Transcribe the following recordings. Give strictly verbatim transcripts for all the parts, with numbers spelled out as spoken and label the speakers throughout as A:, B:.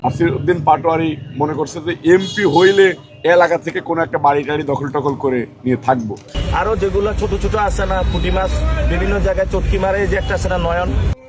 A: নাসিরউদ্দিন পাটোয়ারি মনে করছে যে এমপি হইলে এলাকা থেকে কোনো একটা বাড়ি টাড়ি দখল টখল করে নিয়ে থাকবো।
B: আরো যেগুলো ছোট ছোট আছে না, পুঁটি মাছ বিভিন্ন জায়গায় চটকি মারে, যে একটা আছে না নয়ন।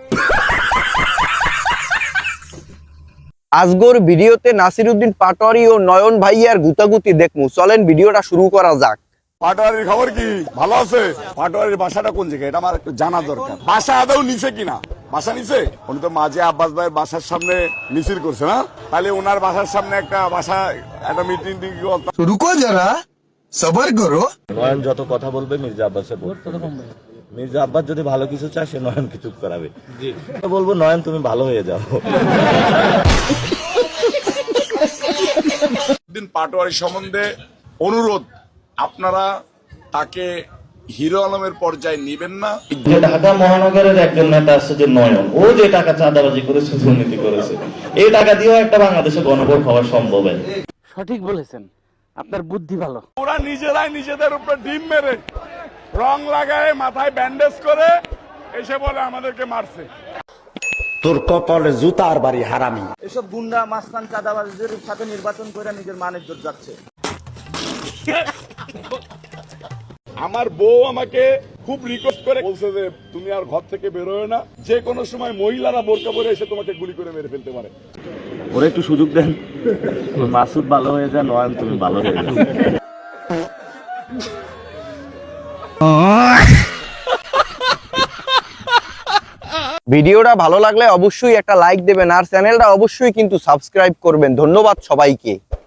C: আজগর ভিডিওতে নাসিরউদ্দিন পাটোয়ারি ও নয়ন ভাইয়ার গুতাগুতি দেখমু, চলেন ভিডিওটা শুরু করা যাক।
A: পাটোয়ারির খবর কি? ভালো আছে? পাটোয়ারির বাসাটা কোন জায়গায় এটা আমার একটু জানা দরকার। বাসা আদৌ নিছে কিনা? বাসা নিছে? উনি তো মাঝে আব্বাস ভাইয়ের বাসার সামনে মিছিল করছে না? তাহলে ওনার বাসার সামনে একটা বাসা একটা মিটিং টিং
D: রুকো যারা, সবার করো।
B: নয়ন যত কথা বলবে মির্জা আব্বাসের মির্জা আব্বাস যদি ভালো কিছু চায় সে নয়নকে চুপ করাবে। বলবো নয়ন তুমি ভালো হয়ে যাও।
A: দিন পাটোয়ারি সম্বন্ধে অনুরোধ, আপনারা তাকে হিরো আলমের পর্যায়ে নিবেন না।
B: যে ঢাকা মহানগরের একজন নেতা আছে যে নয়ন, ও যে টাকা চাঁদাবাজি করেছে, দুর্নীতি করেছে, এই টাকা দিয়েও একটা বাংলাদেশে গণভোট হওয়া সম্ভব।
E: সঠিক বলেছেন, আপনার বুদ্ধি ভালো।
A: ওরা নিজেরাই নিজেদের উপরে ডিম মেরে রং লাগায় মাথায় ব্যান্ডেজ করে এসে বলে আমাদেরকে মারছে।
F: তোর কপালে জুতার বাড়ি হারামি।
B: এসব গুন্ডা মাস্তান চাঁদাবাজদের সাথে নির্বাচন করে নিজের মান ইজ্জত যাচ্ছে।
A: আমার বউ আমাকে খুব রিকোয়েস্ট করে বলছে যে তুমি আর ঘর থেকে বেরোয় না, যে কোনো সময় মহিলারা বোরকা পরে এসে তোমাকে গুলি করে মেরে ফেলতে পারে।
B: ওরা একটু সুযোগ দেন, মাসুদ ভালো হয়ে যায়, নয়ন তুমি ভালো হয়ে যাও।
C: ভিডিওটা ভালো লাগলে অবশ্যই একটা লাইক দেবেন আর চ্যানেলটা অবশ্যই কিন্তু সাবস্ক্রাইব করবেন। ধন্যবাদ সবাইকে।